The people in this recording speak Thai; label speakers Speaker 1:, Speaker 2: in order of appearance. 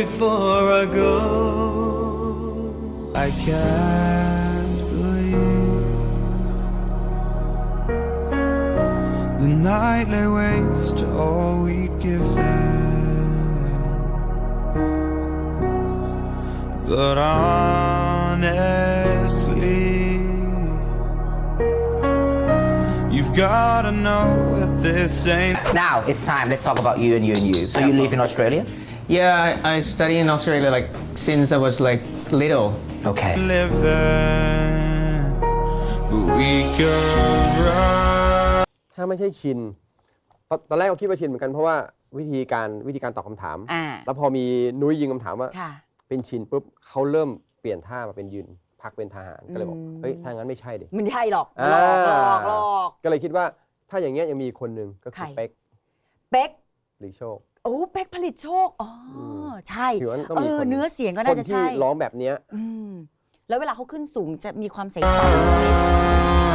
Speaker 1: before I go. I can't believe the night lay waste to all we'd given. But honestly, you've gotta know what this ain't.
Speaker 2: Now it's time. Let's talk about you and you and you. So you live in Australia?
Speaker 3: Yeah, I studied in Australia like since I was like little.
Speaker 2: Okay.
Speaker 1: Living, but we could run.
Speaker 4: ถ้าไม่ใช่ชินตอนแรกก็คิดว่าชินเหมือนกันเพราะว่าวิธีการตอบคำถาม แล้วพอมีนุ้ยยิงคำถามว่า
Speaker 5: ค่ะ
Speaker 4: เป็นชินปุ๊บเขาเริ่มเปลี่ยนท่ามาเป็นยืนพักเป็นทหารก็เลยบอกเฮ้ยถ้างั้นไม่ใช่ดิ
Speaker 5: มันใช่หรอก
Speaker 4: อ่า
Speaker 5: หลอก
Speaker 4: ก็เลยคิดว่าถ้าอย่างเงี้ยยังมีคนหนึ่งก็คือ
Speaker 5: ใคร
Speaker 4: เป๊ก
Speaker 5: เป๊ก
Speaker 4: หรือโชค
Speaker 5: โอ้เป๊กผลิตโชคอ๋อใช่
Speaker 4: ถือว่าต้องมีคน
Speaker 5: เนื้อเสียงก็
Speaker 4: ค
Speaker 5: น่าน จะ
Speaker 4: ที่
Speaker 5: ใช่
Speaker 4: ร้องแบบเนี้ย
Speaker 5: แล้วเวลาเขาขึ้นสูงจะมีความใส